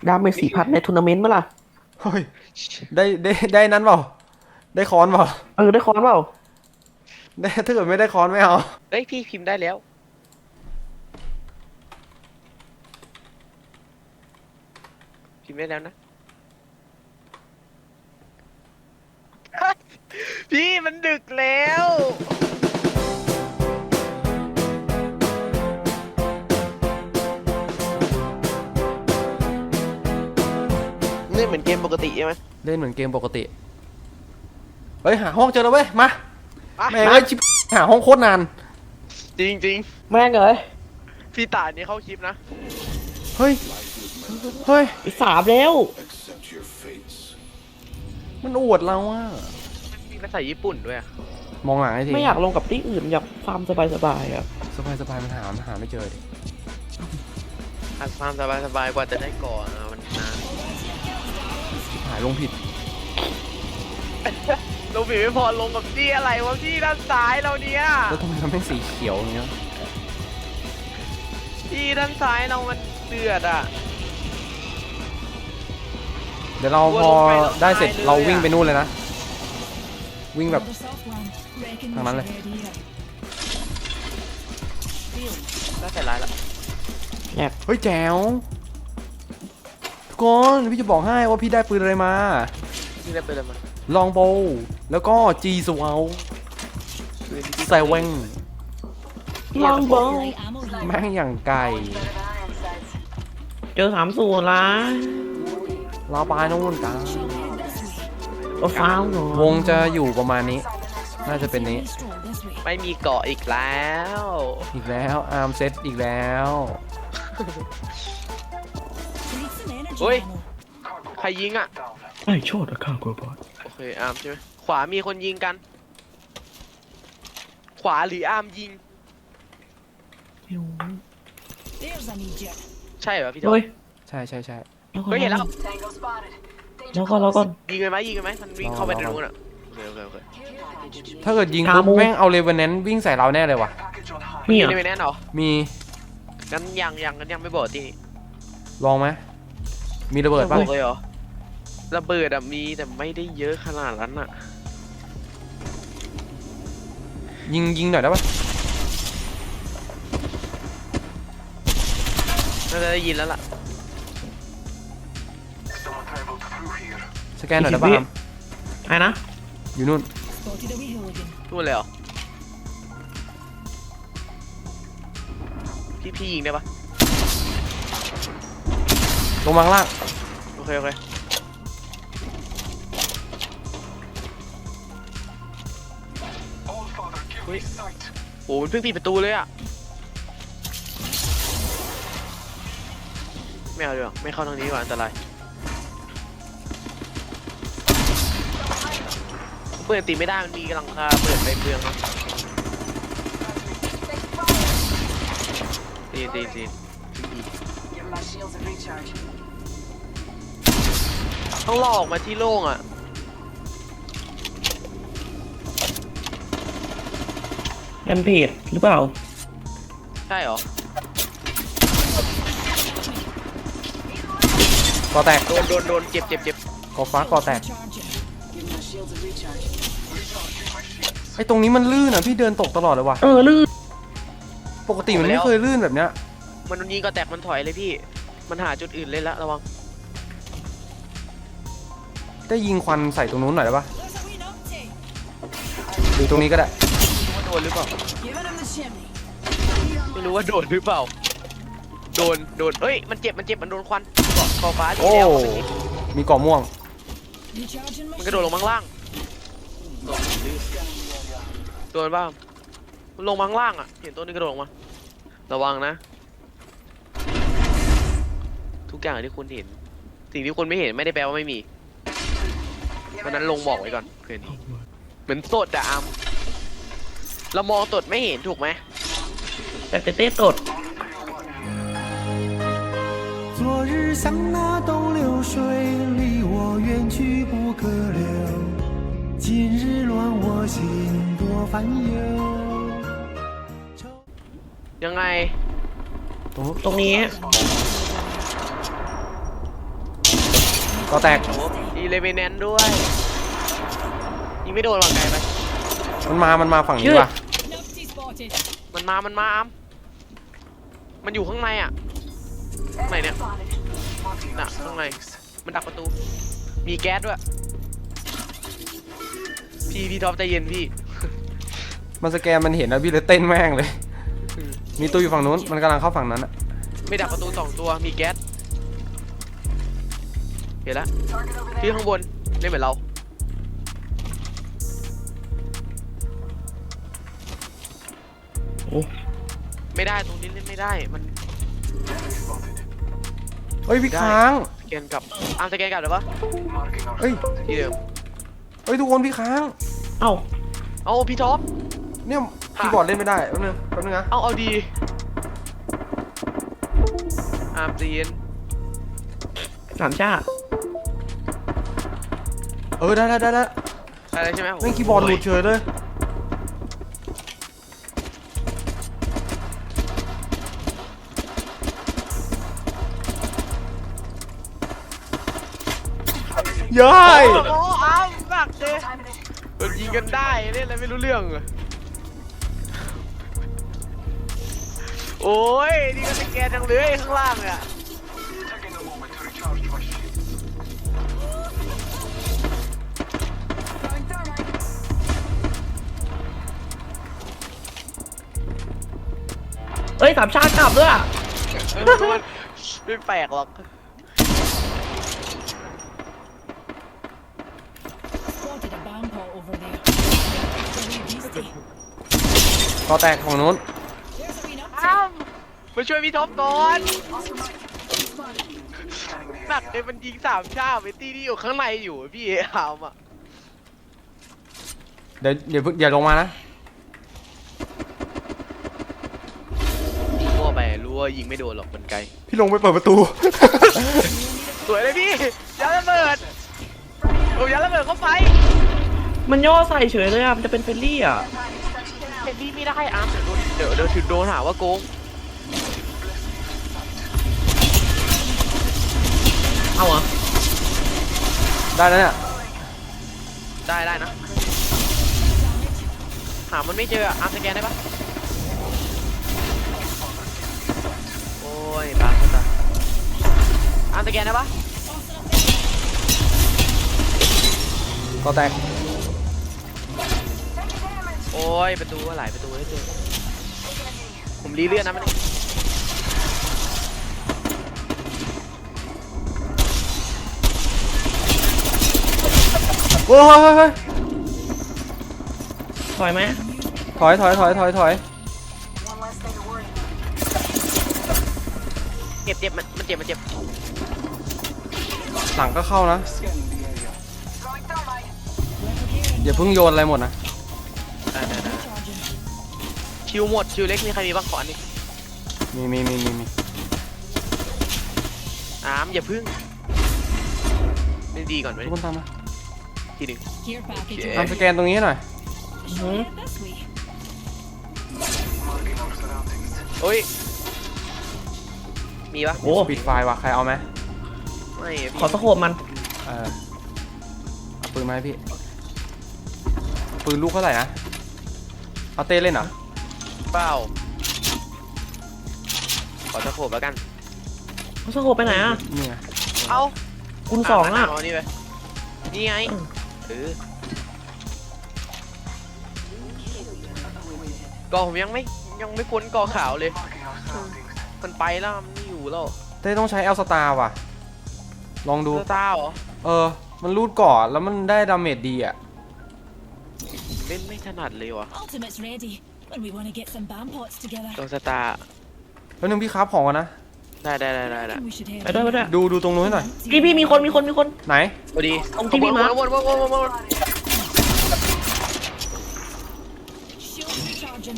ดาเมจ4,000ในทัวร์นาเมนต์มั้ยล่ะเฮ้ยได้นั้นเปล่าได้ค้อนเปล่าได้คอนเปล่าได้ถ้าเกิดไม่ได้ค้อนไม่เอาเอ้ยพี่พิมพ์ได้แล้วพิมพ์ได้แล้วนะพี่มันดึกแล้วนี่เหมือนเกมปกติใช่ไหมเล่นเหมือนเกมปกติเฮ้ยหาห้องเจอแล้วเว้ยมาแม่งเอ้ยชิบหาห้องโคตรนานจริงจริงแม่งเลยพี่ตายนี่เข้าคลิปนะเฮ้ยเฮ้ย 3แล้วมันอวดเราอะมีภาษาญี่ปุ่นด้วยมองหลังให้ทีไม่อยากลงกับที่อื่นอยากฟาร์มสบายๆอะสบายมันหาไม่เจอดิอัดฟาร์มสบายกว่าจะได้ก่อนมันนานหายลงผิดลงผิดไม่พอลงกับที่อะไรวะที่ด้านซ้ายเราเนี่ยแล้วทำไมมันเป็นสีเขียวอย่างเงี้ยที่ด้านซ้ายเรามันเดือดอ่ะเดี๋ยวเราพอได้เสร็จเราวิ่งไปนู่นเลยนะวิ่งแบบทางนั้นเลยได้เสร็จแล้วเฮ้ยแจ๋วทุกคนพี่จะบอกให้ว่าพี่ได้ปืนอะไรมาพี่ได้ปืนอะไรมาลองโบแล้วก็จีสวาลไซเวงลองโบแม่งอย่างไก่เจอ30ละเราไปนู่นกันก็ฟ้าวหนูวงจะอยู่ประมาณนี้น่าจะเป็นนี้ไม่มีเกาะอีกแล้วอาร์มเซตอีกแล้วเฮ้ยใครยิงอ่ะไอ้โชดอะข้าวกบอดโอเคอาร์มใช่ไหมขวามีคนยิงกันขวาหรืออาร์มยิงใช่เหรอพี่เฮ้ยใช่เฮ้ยเห็นแล้วแล้วก็ยิงกันไหมมันวิ่งเข้าไปในรูน่ะโอเคถ้าเกิดยิงปุ๊บแม่งเอาเลเวนแนนต์วิ่งใส่เราแน่เลยว่ะมีเลเวนแนนต์เหรอมีงั้นยังไม่บอกที่ลองไหมมีระเบิดป่ะเลยเหรอระเบิดอะมีแต่ไม่ได้เยอะขนาดนั้นอะยิงหน่อยได้ป่ะน่าจะได้ยินแล้วล่ะสแกนหน่อยได้ป่ะไอ้นะอยู่นู่นเลยเหรอพี่ยิงได้ปะลงมาข้างล่างโอเคโอ้มันเพิ่งปิดประตูเลยอะไม่เอาดีกว่าไม่เข้าทางนี้ดีกว่าอันตรายเปิดตีไม่ได้มันมีหลังคาเปิดไปเปลืองครับตีต้องลอกมาที่โล่งอ่ะแอมเพจหรือเปล่าใช่หรอกอแตกโดนเจ็บกอฟ้ากอแตกไอ้ตรงนี้มันลื่นอ่ะพี่เดินตกตลอดเลยว่ะลื่นปกติมันไม่เคยลื่นแบบเนี้ยมันยิงก็แตกมันถอยเลยพี่มันหาจุดอื่นเล่นละระวังได้ยิงควันใส่ตรงนู้นหน่อยได้ปะหรือตรงนี้ก็ได้โดนหรือเปล่าไม่รู้ว่าโดนหรือเปล่าโดนเฮ้ยมันเจ็บมันโดนควันเกาะคอฟ้าโอ้มีเกาะม่วงมันกระโดดลงมาข้างล่างโดนบ้างมันลงมาข้างล่างอ่ะเห็นตัวนี้กระโดดลงมาระวังนะทุกอย่างที่คุณเห็นสิ่งที่คุณไม่เห็นไม่ได้แปลว่าไม่มีเพราะนั้นลงบอกไว้ก่อนเพื่อนเหมือนสดอะอัมเรามองสดไม่เห็นถูกไหมแต่เต้สด昨日像那东流水离我远去不可留今日乱我心多烦忧ยังไงตรงนี้ก็แตกอีเลเวนแนนด้วยยิงไม่โดนหรอกไกลไปมันมาฝั่งนี้ว่ะมันมาอามมันอยู่ข้างในอ่ะข้างในเนี่ยน่ะข้างในมันดักประตูมีแก๊สด้วยพี่ท็อปใจเย็นพี่มันสแกนมันเห็นนะพี่เลยเต้นแม่งเลย มีตัวอยู่ฝั่งนู้นมันกำลังเข้าฝั่งนั้นอะไม่ดักประตู2ตัวมีแก๊สเห็นแล้วพี่ข้างบนเล่นเหมือนเราโอ้ไม่ได้ตรงนี้เล่นไม่ได้มันเฮ้ยพี่ค้างสแกนกลับสแกนกลับหรือปะเฮ้ยที่เดิมเฮ้ยทุกคนพี่ค้างเอ้าเอาพี่ท็อปเนี่ยคีย์บอร์ดเล่นไม่ได้แป๊บนึงนะเอาดีตีนสามชาได้อะไรใช่ไหมแม่งคีย์บอร์ดหลุดเฉยเลยย้ายโอ้โหอ้าวหนักเลยโดนยิงกันได้เล่นอะไรไม่รู้เรื่องเลยโอ้ยนี่ก็สแกนจังเลยข้างล่างเนี่ยเอ้ยสามชากลับด้วยอะไม่แปลกหรอก Spotted a bomb pot over there. Very beastie. ก็แตกของนู้น There's a wee nut. อ้าวมาช่วยพี่ท็อปก่อนหนักเลยมันยิง3 ชาไปตี้ที่อยู่ข้างในอยู่พี่อามอ่ะเดี๋ยวลงมานะมั่วไปรู้ว่ายิงไม่โดนหรอกมันไกลพี่ลงไปเปิดประตูสวยเลยพี่ยัดระเบิดโอ้ยัดระเบิดเข้าไปมันย่อใส่เฉยเลยอ่ะ มันจะเป็นเฟรนลี่อ่ะเห็นพี่ไม่ได้อาร์มเดี๋ยวถึงโดนหาว่าโกงเอาเหรอได้แล้วเนี่ยได้นะหามันไม่เจออาร์มสแกนได้ปะโอ้ยบางคนตาอาร์มสแกนได้ปะก็แตกโอ้ยประตูหลายประตูได้เจอผมรีเลื่อนนะมันโอ้ยถอยไหมถอยเจ็บมันเจ็บหลังก็เข้านะ อย่าเพิ่งโยนอะไรหมดนะได้ชิวหมดชิวเล็กมีใครมีบ้างขออันนี้มีอาร์มอย่าพึ่งเล่นดีก่อนไหมทุกคนตามมาทีหนึ่ง Care package. ทำสแกนตรงนี้หน่อย Head this way. โอ้ยมีปะโอ้ปิดไฟล์ว่ะใครเอาไหมไม่อะขอพี่สโคปมันเอาปืนมาให้พี่ปืนลูกเท่าไหร่นะเอาเต้เล่นเหรอเปล่าขอสะโขบแล้วกันเขาสโคปไปไหนอ่ะนี่ไงเอาคุณสองอ่ะเานี่ไปนี่ไงก่อผมยังไม่พ้นก่อขาวเลยมันไปแล้วมันไม่อยู่แล้วเต้ต้องใช้เอลสตาร์ว่ะลองดูเซอร์ต้าเหรอมันรูดก่อนแล้วมันได้ดาเมจดีอ่ะเล่นไม่ถนัดเลยวะ Ultimate's ready when we want to get some bomb pots together. ตัวสตาร์แล้วนึงพี่ครับของก่อนนะได้ Reckon we should head ไปด้วยไปด้วยดูตรงนู้นหน่อยพี่มีคนไหนพอดีตรงที่พี่มาร์ควน Shield recharging.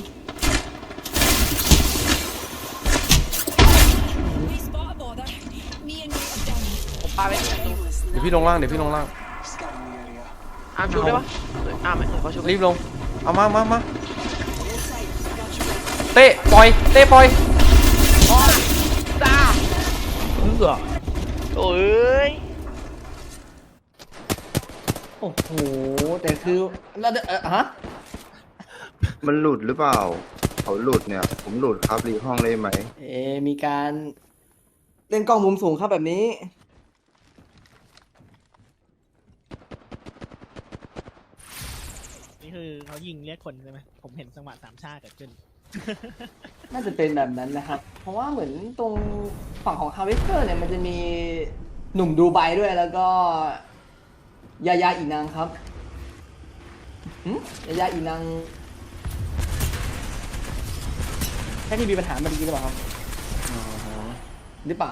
We spot a bother. Me and you are done. ผมปาไปที่ประตูเดี๋ยวพี่ลงล่างอาร์มชูได้ปะอาร์มเขาชูรีบลง เอามาเต้ปล่อยตาเพื่อโอ้ยโอ้โหแต่คือแล้วฮะมันหลุดหรือเปล่าเขาหลุดเนี่ย ผมหลุดครับรีห้องได้ไหมมีการเล่นกล้องมุมสูงครับแบบนี้นี่คือเขายิงเรียกคนใช่ไหมผมเห็นจังหวะสามชาเกิดขึ้นน่าจะเป็นแบบนั้นนะครับ เพราะว่าเหมือนตรงฝั่งของฮาร์เวสเตอร์เนี่ยมันจะมีหนุ่มดูไบด้วยแล้วก็ยายาอีนางครับยายาอีนางแค่ที่มีปัญหาเมื่อกี้หรือเปล่าครับหรือเปล่า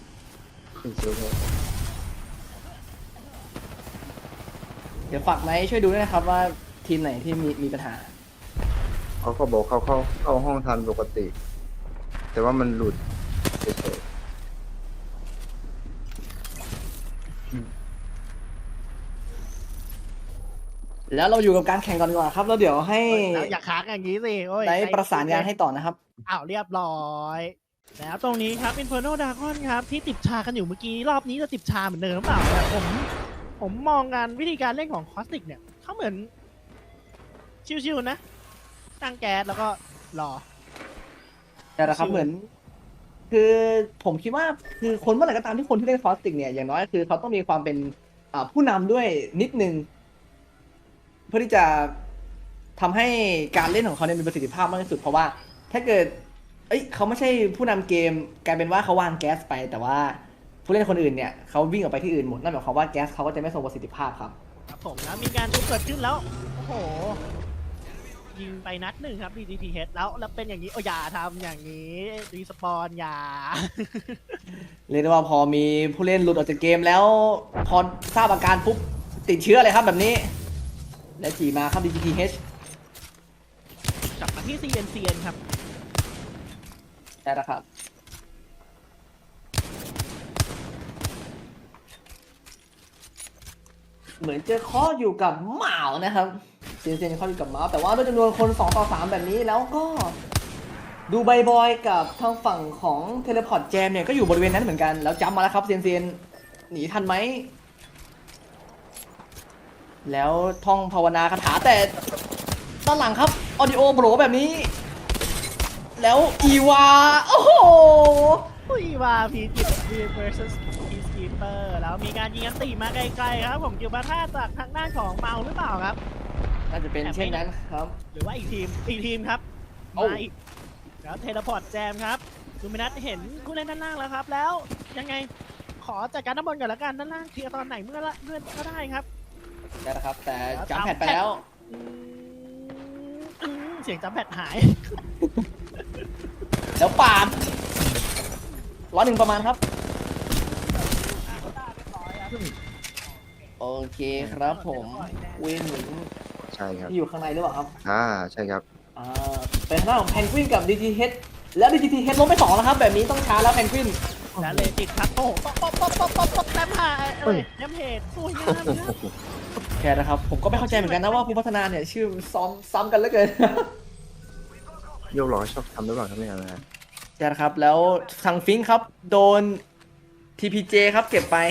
เดี๋ยวฝากไหมช่วยดูด้วยนะครับว่าทีมไหนที่มีปัญหาเขาก็บอกเขาเข้าห้องทันปกติ แต่ว่ามันหลุดเฉยแล้วเราอยู่กับการแข่งก่อนดีกว่าครับแล้วเดี๋ยวให้แล้วอย่าค้างอย่างนี้สิโอ้ยได้ประสานงานให้ต่อนะครับอ้าวเรียบร้อย แล้วตรงนี้ครับ Inferno Dragon ครับ ที่ติดชากันอยู่เมื่อกี้ รอบนี้จะติดชาเหมือนเดิมหรือเปล่าเนี่ยผมมองการวิธีการเล่นของคอสติกเนี่ยเขาเหมือน ชิวๆนะ ตั้งแก๊สแล้วก็รอแต่ละครับเหมือน คือผมคิดว่าคือคนเมื่อไหร่ก็ตามที่คนที่เล่นคอสติกเนี่ยอย่างน้อยคือเขาต้องมีความเป็นผู้นำด้วยนิดนึง เพื่อที่จะทำให้การเล่นของเขาเนี่ยมีประสิทธิภาพมากที่สุดเพราะว่าถ้าเกิดเขาไม่ใช่ผู้นำเกมกลายเป็นว่าเขาวางแก๊สไป แต่ว่าผู้เล่นคนอื่นเนี่ยเขาวิ่งออกไปที่อื่นหมดนั่นหมายความว่าแก๊สเขาก็จะไม่ทรงประสิทธิภาพครับครับผมแล้วมีการชุบเกิดขึ้นแล้ว โอ้โห ยิงไปนัดหนึ่งครับ DGTH แล้วเป็นอย่างนี้โอ้อย่าทำอย่างนี้รีสปอนอย่าเรียกได้ว่าพอมีผู้เล่นหลุดออกจากเกมแล้วพอทราบอาการปุ๊บติดเชื้อเลยครับแบบนี้ และจีมาครับ DGTH กลับมาที่ CNCN ครับได้แล้วครับเหมือนจะข้ออยู่กับหมานะครับเซียนข้ออยู่กับหมาแต่ว่าด้วยจำนวนคน2 ต่อ 3แบบนี้แล้วก็ดูใบบอยกับทางฝั่งของเทเลพอร์ตแจมเนี่ยก็อยู่บริเวณนั้นเหมือนกันแล้วจำมาแล้วครับเซียนหนีทันไหมแล้วท่องภาวนาคาถาแต่ด้านหลังครับออดิโอโบรแบบนี้ แล้วอีวาโอ้โหอุ้ยว่าพีจิต versus Peacekeeper แล้วมีการยิงอันตีมาไกลๆครับผมกิวบาท่าจากทางด้านของเมาหรือเปล่าครับน่าจะเป็นเช่นนั้นครับหรือว่าอีกทีมครับโอ้มาอีกแล้วเทเลพอร์ตแจมครับดูมินัทเห็นผู้เล่นด้านล่างแล้วครับ แล้วยังไงขอจัดการด้านบนก่อนละกันด้านล่างเคลียร์ตอนไหนเมื่อก็ได้ครับได้แล้วครับแต่จำแผนไปแล้วเสียงจำแพดหายแล้วปาด101ประมาณครับ โอเคครับผมวินหมุนๆใช่ครับที่อยู่ข้างในหรือเปล่าครับใช่ครับเป็นทางด้านของแพนกวินกับ DGTH แล้ว DGTH ลงไป2แล้วครับแบบนี้ต้องช้าแล้วแพนกวินและเลจิตครับโอ้โหป๊อปแต้มหายแต้มเหตุสวยงามนะแค่นะครับผมก็ไม่เข้าใจเหมือนกันนะว่าผู้พัฒนาเนี่ยชื่อซ้ำกันเหลือเกินโยกล้อชอบทำหรือเปล่าครับเนี่ยนะใช่ครับแล้วทางฟิงค์ครับโดน TPJ ครับเก็บไป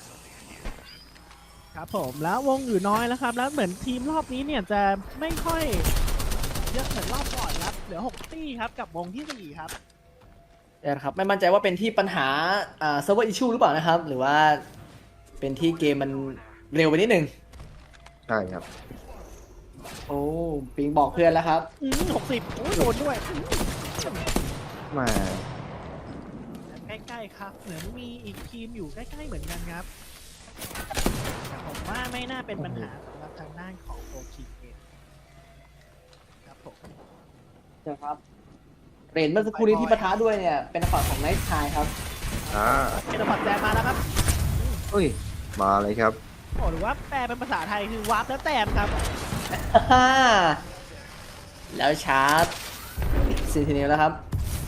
ครับผมแล้ววงอยู่น้อยแล้วครับแล้วเหมือนทีมรอบนี้เนี่ยจะไม่ค่อยเยอะเหมือนรอบก่อนครับเหลือ6ตี้ครับกับวงที่4ครับนะครับไม่มั่นใจว่าเป็นที่ปัญหาเซิร์ฟเวอร์อิชชูหรือเปล่านะครับ หรือว่าเป็นที่เกมมันเร็วไปนิดนึงใช่ครับโอ้ปิงบอกเพื่อนแล้วครับ 60โอ้ยโดนด้วยมาใกล้ๆครับเหมือนมีอีกทีมอยู่ใกล้ๆเหมือนกันครับแต่ผมว่าไม่น่าเป็นปัญหาสำหรับทางด้านของโอคิเองครับผมนะครับเรนเมื่อสักครู่นี้ที่ปะทะด้วยเนี่ยเป็นฝั่งของไนท์ชายครับเทเลพอร์ตแจมมาแล้วครับเฮ้ย มาเลยครับโอ้หรือว่าแปลเป็นภาษาไทยคือวาร์ปแล้วแต้มครับแล้วชาร์จซีทีเนลแล้วครับ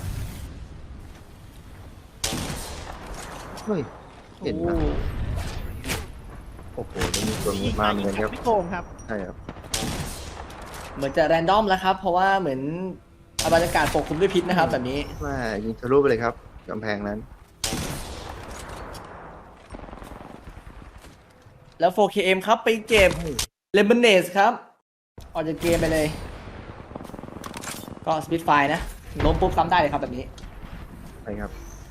เฮ้ย เห็นโอ้ปะโอ้โหนี่มีตัวมาเหมือนกันครับไม่โกงครับใช่ครับเหมือนจะแรนดอมแล้วครับ เพราะว่าเหมือนบรรยากาศปกคลุมด้วยพิษนะครับแบบนี้ว่ายิงทะลุไปเลยครับกำแพงนั้นแล้ว 4KM ครับไปเก็บเลมอนเนสครับออกจากเกมไปเลย ก็สปิดไฟนะล้มปุ๊บซ้ำได้เลยครับแบบนี้ใช่ครับ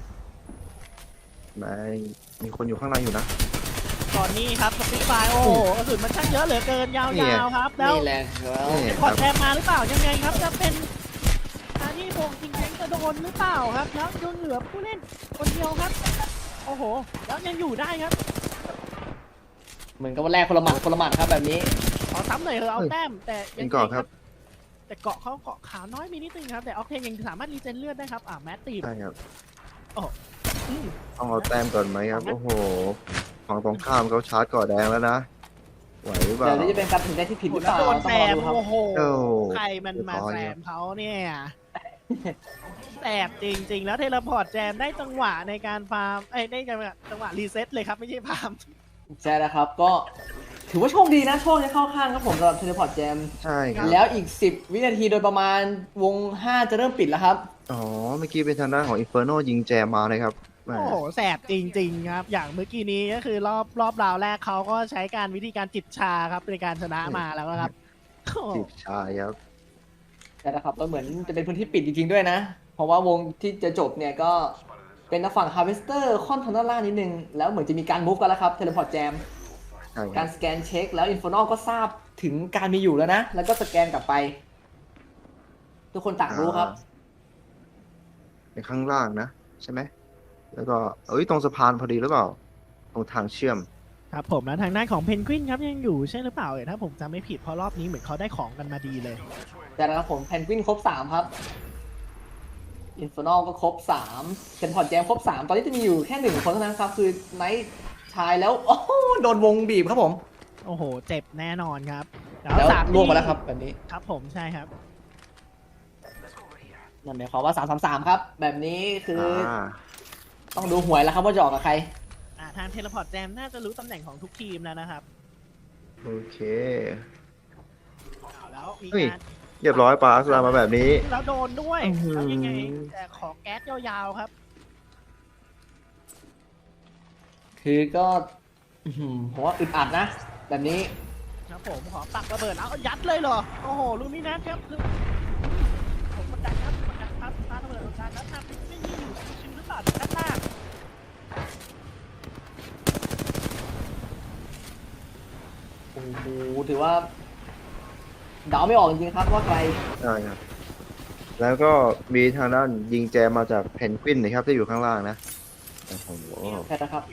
ไม่มีคนอยู่ข้างในอยู่นะตอนนี้ครับสปีดไฟโอ้โหกระสุนมันช่างเยอะเหลือเกินยาวๆครับแล้วนี่แหละครับนี่พอดแทมมาหรือเปล่ายังไงครับจะเป็นอันนี้วงจริงๆจะโดนหรือเปล่าครับแล้วยังเหลือผู้เล่นคนเดียวครับโอ้โหแล้วยังอยู่ได้ครับเหมือนกับว่าแรกคนละหมัดครับแบบนี้ขอซ้ำหน่อยเถอะเอาแต้มแต่เป็นก่อนครับแต่เกาะเขาเกาะขาวน้อยมีนิดนึงครับแต่ออกเทนยังสามารถรีเจนเลือดได้ครับแมตตีมใช่ครับอืมต้องเอาแต้มก่อนไหมครับ โอ้โหฝั่งตรงข้ามเขาชาร์จก่อแดงแล้วนะ ไหวหรือเปล่าเดี๋ยวนี้จะเป็นการตัดสินใจที่ผิดหรือเปล่าโดนต้แสองรอบ ดูครับโอ้โหโอ้ใครมันมาเรียบร้อยแสครับบเขาเนี่ยแสบจริงๆ แล้วเทเลพอร์ตแจมได้จังหวะในการฟาร์มได้จังหวะรีเซ็ตเลยครับไม่ใช่ฟาร์มใช่แล้วครับก็ถือว่าโชคดีนะโชคจะเข้าข้างครับผมสำหรับเทเลพอร์ตแจมใช่ครับแล้วอีก 10 วินาทีโดยประมาณวง 5 จะเริ่มปิดแล้วครับอ๋อ เมื่อกี้เป็นทางด้านของ Inferno ยิงแจมมาเลยครับแหมโอ้โหแสบจริง ๆ ครับ อย่างเมื่อกี้นี้ก็คือรอบราวแรกเขาก็ใช้การวิธีการจิบชาครับในการชนะมาแล้วนะครับโอ้โหจิบชายครับใช่แล้วครับแล้วเหมือนจะเป็นพื้นที่ปิดจริงๆด้วยนะ เพราะว่าวงที่จะจบเนี่ยก็เป็นทางฝั่ง Harvester ค่อนทางด้านล่างนิดนึง แล้วเหมือนจะมีการมูฟกันแล้วครับเทเลพอร์ตแจมใช่คการับรสแกนเช็คแล้ว Inferno ก็ทราบถึงการมีอยู่แล้วนะ แล้วก็สแกนกลับไป ทุกคนต่างรู้ครับในข้างล่างนะ ใช่ไหม แล้วก็ตรงสะพานพอดีหรือเปล่า ตรงทางเชื่อมครับผมแล้วทางด้านของเพนกวินครับยังอยู่ใช่หรือเปล่าถ้าผมจำไม่ผิดเพราะรอบนี้เหมือนเขาได้ของกันมาดีเลยแต่แล้วครับผมแพนกวินครบ 3 ครับ Inferno ก็ครบ3เทเลพอร์ตแจมครบ 3 ตอนนี้จะมีอยู่แค่ 1 คนเท่านั้นครับ คือไนท์ชายแล้ว โอ้โหโดนวงบีบครับผมโอ้โห เจ็บแน่นอนครับแล้วสามล่วงมาแล้วครับแบบนี้ครับผมใช่ครับนั่นหมายความว่า 3-3-3 ครับ แบบนี้คืออ่าต้องดูหวยแล้วครับว่าจะออกกับใครทางเทเลพอร์ตแจมน่าจะรู้ตำแหน่งของทุกทีมแล้วนะครับโอเคเอาแล้วมีเฮ้ยการเรียบร้อยปาสลามาแบบนี้แล้วโดนด้วยอื้อหือแล้วยังไงแต่ขอแก๊สยาวๆครับคือก็อื้อหือผมว่าอึดอัดนะ แบบนี้ครับผมขอปักระเบิดแล้วยัดเลยเหรอ โอ้โหลูกนี้นะครับผมกดดันครับกดดันครับปาระเบิดของการแล้วทำไม่ยิงอยู่ชิวๆหรือเปล่าด้านหน้าโอ้โหถือว่าเดาไม่ออกจริงๆครับว่าใครใช่ครับ แล้วก็มีทางด้านยิงแจมมาจากเพนกวินนะครับที่อยู่ข้างล่างนะ โอ้โหใช่นะครับ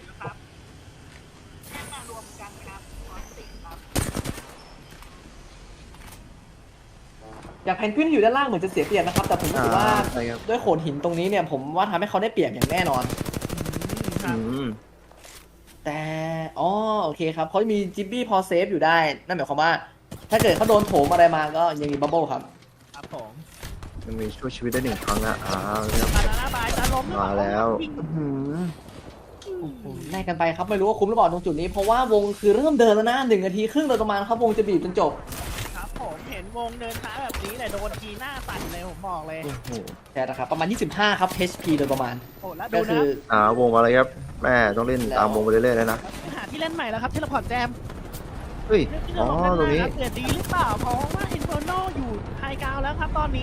อย่างแพนกวินอยู่ด้านล่างเหมือนจะเสียเปรียบนะครับ แต่ผมรู้สึกว่าใช่ครับด้วยโขดหินตรงนี้เนี่ย ผมว่าทำให้เขาได้เปรียบอย่างแน่นอนครับแต่อ๋อโอเคครับเขามีจิบบี้พอเซฟอยู่ได้ นั่นหมายความว่า ถ้าเกิดเขาโดนโถมอะไรมาก็ยังมีบับเบิ้ลครับครับผมยังมีช่วยชีวิตได้1 ครั้งนะครับบานาน่าบายจะล้มหรือเปมาล่าแล้ววิ่งแลกกันไปครับไม่รู้ว่าคุ้มหรือเปล่าตรงจุดนี้ เพราะว่าวงคือเริ่มเดินแล้วนะ1 นาทีครึ่งโดยประมาณครับวงจะบีบจนจบครับผมเห็นวงเดินช้าแบบนี้แต่โดนทีหน้าสั่นเลยผมบอกเลยโอ้โหใช่นะครับประมาณ 25 ครับ HP โดยประมาณโอ้แล้วก็ดูคืนะอวงมาเลยครับ แม่ต้องเล่นตามวงไปเรื่อยๆแล้วนะหาที่เล่นใหม่แล้วครับเทเลพอร์ตแจมเฮ้ยเรื่องที่อ๋เราอลงด้านตรงนี้หน้าครับเกิดดีหรือเปล่าเพราะว่าอินเฟอร์โนอยู่ไฮกราวด์แล้วครับตอนนี้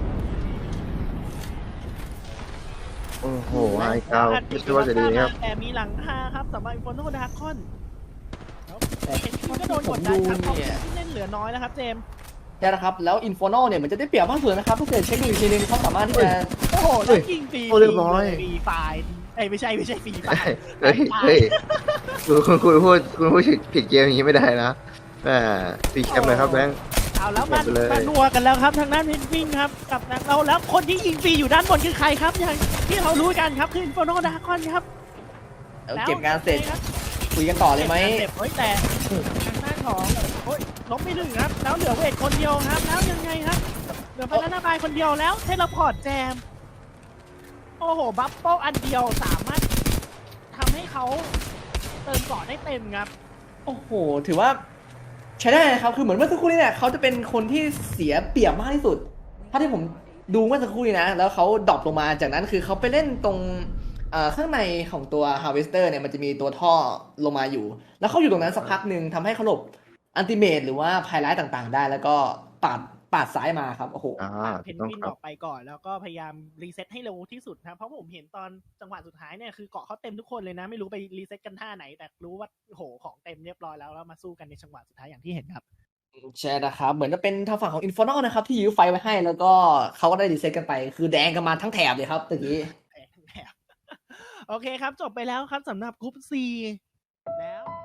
โอ้โหไฮเก้าไม่ใช่ว่าจะดีนะครับแต่มีหลังคาครับสำหรับอินเฟอร์โนดาร์คอนแต่เห็นทีก็โดนผกมดดัดูนครับเพราะเนี่ยที่เล่นเหลือน้อยแล้วครับเจมส์ใช่นะครับแล้ว Inferno เนี่ยมันจะได้เปรียบมากสุดนะครับถ้าเกิดเช็คดูอีกทีนึงเขาสามารถที่จะโอ้โหแล้วยิงฟรีโอ้เรียบร้อยฟรีไฟล์ไม่ใช่ฟรีไฟล์เฮ้ยเฮ้ยคุณพูดผิดเกมอย่างนี้ไม่ได้นะแหมตีแคมเลยครับแบงค์เอาแล้วมันเก็บไปเลยมานัวกันแล้วครับทางด้านวินวิ่งครับกับทางเราแล้วคนที่ยิงฟรีอยู่ด้านบนคือใครครับอย่างที่เรารู้กันครับคืออินเฟอร์โนดาร์คอนครับเอาเก็บงานเสร็จคุยกันต่อเลยไหมเจ็บแต่ทางด้านของโอ้ยล้มไป1ครับแล้วเหลือเวทคนเดียวครับแล้วยังไงครับเหลือบานาน่าบายคนเดียวแล้วเทเลพอร์ตแจมโอ้โหบัฟเฟิลอันเดียวสามารถทำให้เขาเติมเกาะได้เต็มครับโอ้โหถือว่าใช้ได้นะครับคือเหมือนเมื่อสักครู่นี้เนี่ยเขาจะเป็นคนที่เสียเปรียบมากที่สุดถ้าที่ผมดูเมื่อสักครู่นี้นะแล้วเขาดรอปลงมาจากนั้นคือเขาไปเล่นตรงข้างในของตัว Harvester เนี่ยมันจะมีตัวท่อลงมาอยู่ แล้วเขาอยู่ตรงนั้นสักพักหนึ่งทำให้เขาหลบอันติเมตหรือว่าภัยร้ายต่างๆได้ แล้วก็ปาดซ้ายมาครับโอ้โหเพนต้องวินครัอบ อกไปก่อนแล้วก็พยายามรีเซ็ตให้เร็วที่สุดนะเพราะผมเห็นตอนจังหวะสุดท้ายเนี่ยคือเกาะเขาเต็มทุกคนเลยนะ ไม่รู้ไปรีเซ็ตกันท่าไหน แต่รู้ว่าโหของเต็มเรียบร้อยแล้วมาสู้กันในจังหวะสุดท้ายอย่างที่เห็นครับใช่นะครับ เหมือนจะเป็นทางฝั่งของ Infernal นะครับ ที่ยื้อไฟไว้ให้แล้วก็เขาก็ได้รีเซ็ตกันไป คือแดงกันมาทั้งแถบเลยครับตะกี้โอเคครับ จบไปแล้วครับสำหรับกรุ๊ป C แล้ว